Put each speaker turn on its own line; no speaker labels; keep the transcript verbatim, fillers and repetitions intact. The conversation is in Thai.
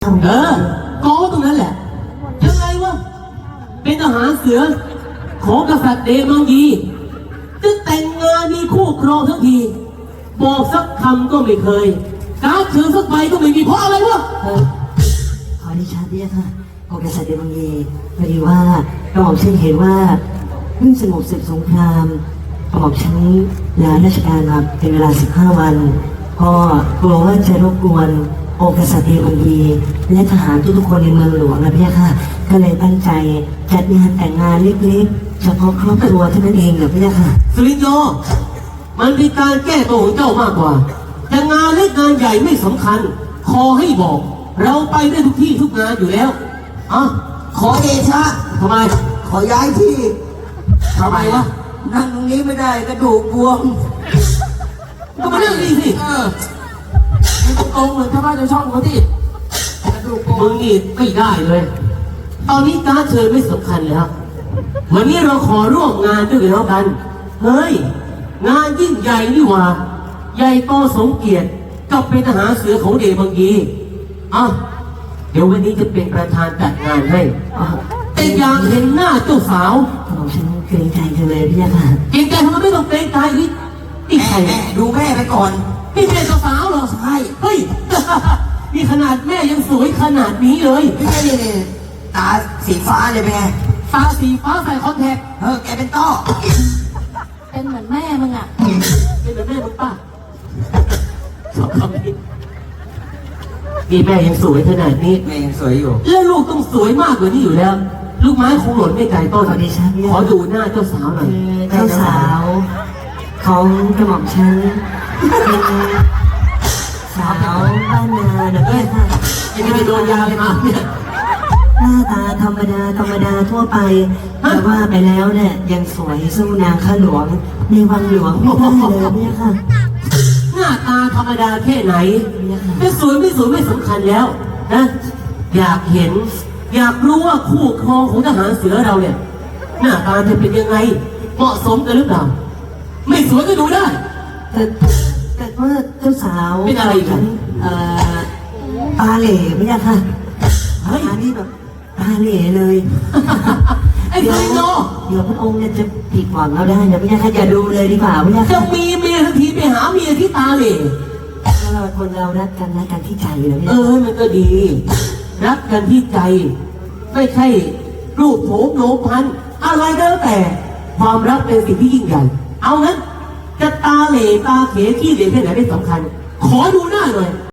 เออกองตรงนั้นแหละยังไงวะเป็นทหารเสือของกษัตริย์เดมังยีจะแต่งงานมีคู่ครองทั้งทีบอกสักคำก็ไม่เคยการถือสักใบก็ไม่มีเพราะอะไรวะ
เออขอดิฉันเนี่ยค่ะองค์กษัตริย์เดมังยีพอดีว่ากระหม่อมฉันเห็นว่าเพิ่งสงบศึกสงครามกระหม่อมฉันลาราชการมาเป็นเวลาสิบห้าวันก็กลัวว่าจะรบกวนองค์กษัตริย์เดมังยีและทหารทุกๆคนในเมืองหลวงนะพี่ค่ะก็เลยตั้งใจจัดงานแต่งงานเล็กๆเฉพาะครอบครัวเท่านั้นเองเหรอพี่ค่ะ
สุรินทร์โยมันเป็นการแก้ตัวของเจ้ามากกว่าแต่งานเล็กงานใหญ่ไม่สำคัญขอให้บอกเราไปได้ทุกที่ทุกงานอยู่แล้วอ่ะ
ขอเดชะ
ทำไม
ขอย้ายที่
ทำไมวะ
นั่งตรงนี้ไม่ได้กระดูกบวม
ก็มาเรื่องนี้สิ
เออมันตรงๆเหมือนชาวบ้านชาวช่องเขาที่กระดูกบว
มึ
ม
งนี่ไม่ได้เลย ตอนนี้การเชิญไม่สำคัญแล้ววันนี้เราขอร่วมงานด้วยกันแล้วกันเฮ้ยงานยิ่งใหญ่นี่หว่าใหญ่โตสมเกียรติกับเป็นทหารเสือของเดบังยีอ่ะเดี๋ยววันนี้จะเป็นประธานจัดงานให้อ่ะแต่อยากเห็นหน้าเจ้าสาว
กระหม่อมฉันเกรงใจจังเลยพี่ค่ะ
เกรงใจทำไมไม่ต้องเกรงใจนี่นี่ใคร
แม่แม่ดูแม่ไปก่อน
นี่แม่เจ้าสาวเหรอ
ใช่
เฮ้ย นี่ขนาดแม่ยังสวยขนาดนี้เลย
ไม่ใช่นี่นี่ตาสีฟ้าเลยเป็นไง
ตาสีฟ้าใส่คอนแทค
เออแกเป็นต้อ
เป็นเหมือนแม่มึงอ่ะ
เป็นแบบแม่มึงป้าชอบคำนี้นี่แม่ยังสวยขนาดนี้
แม่ยังสวยอยู่
แล้วลูกต้องสวยมากกว่านี้อยู่แล้ว ลูกไม้คงหล่นไม่ไกลต้น
ขอดิฉันเนี่ย
ขอดูหน้าเจ้าสาวหน่อย
เจ้าสาวของกระหม่อมฉันเป็นสาวบ้านนาเด็กเนี่ยค่ะ
ยังไม่ได้โดนยาเลยมาเนี่ย
หน้าตาธรรมดาธรรมดาทั่วไปแต่ว่าไปแล้วเนี่ยยังสวยสู้นางข้าหลวงในวังหลวงไม่ได้เลยเนี่ยค่ะ
หน้าตาธรรมดาแค่ไหนจะสวยไม่สวยไม่สำคัญแล้วนะอยากเห็น อยากรู้ว่าคู่ครองของทหารเสือเราเนี่ย หน้าตาจะเป็นยังไง เหมาะสมกันหรือเปล่า ไม่สวยก็ดูได้
แต่แต่ว่าเจ้าสาว
เป็นอะไรกัน
เอ่อตาเหล่ไม่ใช่ค่ะ
เฮ้ย
ตานี่แบบตาเหล่เลย
ไอ้ไซโน
เดี๋ยวพระองค์เนี่ยจะผิดหวังเราได้นะไม่ใช่ค่ะอย่าดูเลยดีกว่าไม่ใช่
จะ
ค่ะ
มีเมียทันทีไปหาเมียที่ตาเหล่
ถ้าเราคนเรารักกันรักกันที่ใจเลย
เอ
เนี่ย
อมันก็ดี รักกันที่ใจ ไม่ใช่รูปโผล่โนพันอะไรก็แล้วแต่ ความรักเป็นสิ่งที่ยิ่งใหญ่ เอางั้น จะตาเหล่ตาเขขี้เหร่แค่ไหนไม่สำคัญ ขอดูหน้าหน่อย